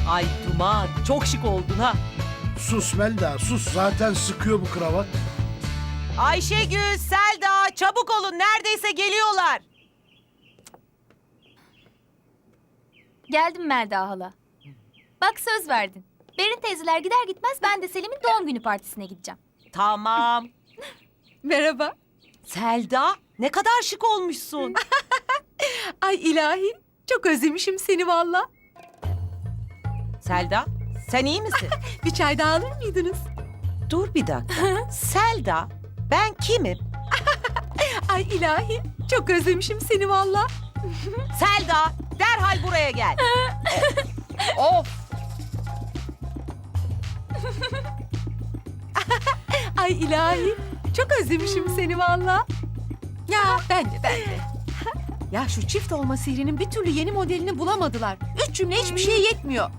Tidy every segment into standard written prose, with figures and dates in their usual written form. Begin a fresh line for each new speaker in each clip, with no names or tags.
Ay Duman, çok şık oldun ha.
Sus Melda, sus. Zaten sıkıyor bu kravat.
Ayşegül, Selda, çabuk olun. Neredeyse geliyorlar.
Geldim Melda hala. Bak söz verdin. Berin teyzeler gider gitmez ben de Selim'in doğum günü partisine gideceğim.
Tamam.
Merhaba.
Selda, ne kadar şık olmuşsun.
Ay ilahi. Çok özlemişim seni valla.
Selda, sen iyi misin?
Bir çay daha alır mıydınız?
Dur bir dakika. Selda, ben kimim?
Ay ilahi. Çok özlemişim seni valla.
Selda, derhal buraya gel. Of.
Ay ilahi. Çok özlemişim seni valla. Ya ben de. Ya şu çift olma sihrinin bir türlü yeni modelini bulamadılar. 3 cümle hiçbir şeye yetmiyor.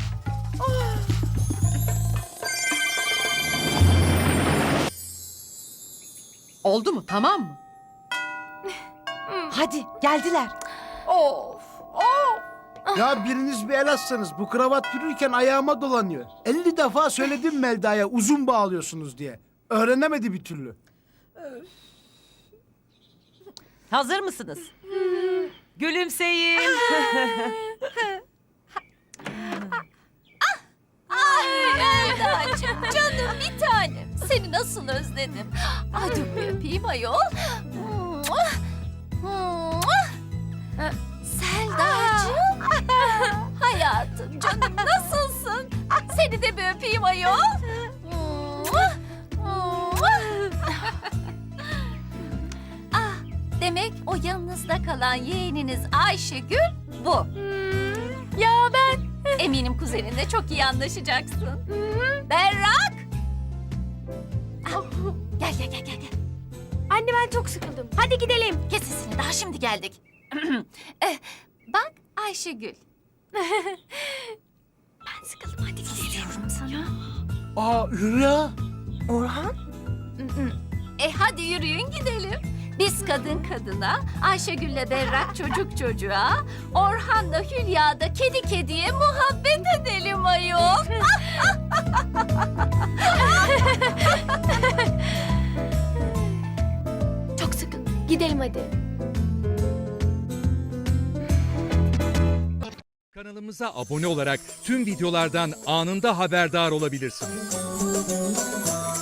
Oldu mu? Tamam mı?
Hadi, geldiler.
Of.
Ya biriniz bir el atsanız. Bu kravat yürürken ayağıma dolanıyor. 50 defa söyledim Melda'ya uzun bağlıyorsunuz diye. Öğrenemedi bir türlü.
Hazır mısınız? Gülümseyin.
Melda'cığım canım bir tanem. Seni nasıl özledim. Ay dur bir öpeyim ayol. Selda'cığım. Hayatım canım nasılsın? Seni de bir öpeyim ayol. Ah, demek o yanınızda kalan yeğeniniz Ayşegül bu. Ya ben? Eminim kuzeninle çok iyi anlaşacaksın. Berrak! Ah, gel.
Anne ben çok sıkıldım. Hadi gidelim.
Kes sesini daha şimdi geldik. Bak Ayşegül.
Ben sıkıldım hadi gidelim.
Diyorum sana.
Aa Hülya.
Orhan?
Hadi yürüyün gidelim. Biz kadın kadına, Ayşegül'le Berrak çocuk çocuğa, Orhan'la Hülya da kedi kediye muhabbet edelim ayol.
Çok sıkıldım. Gidelim hadi.
Kanalımıza abone olarak tüm videolardan anında haberdar olabilirsiniz.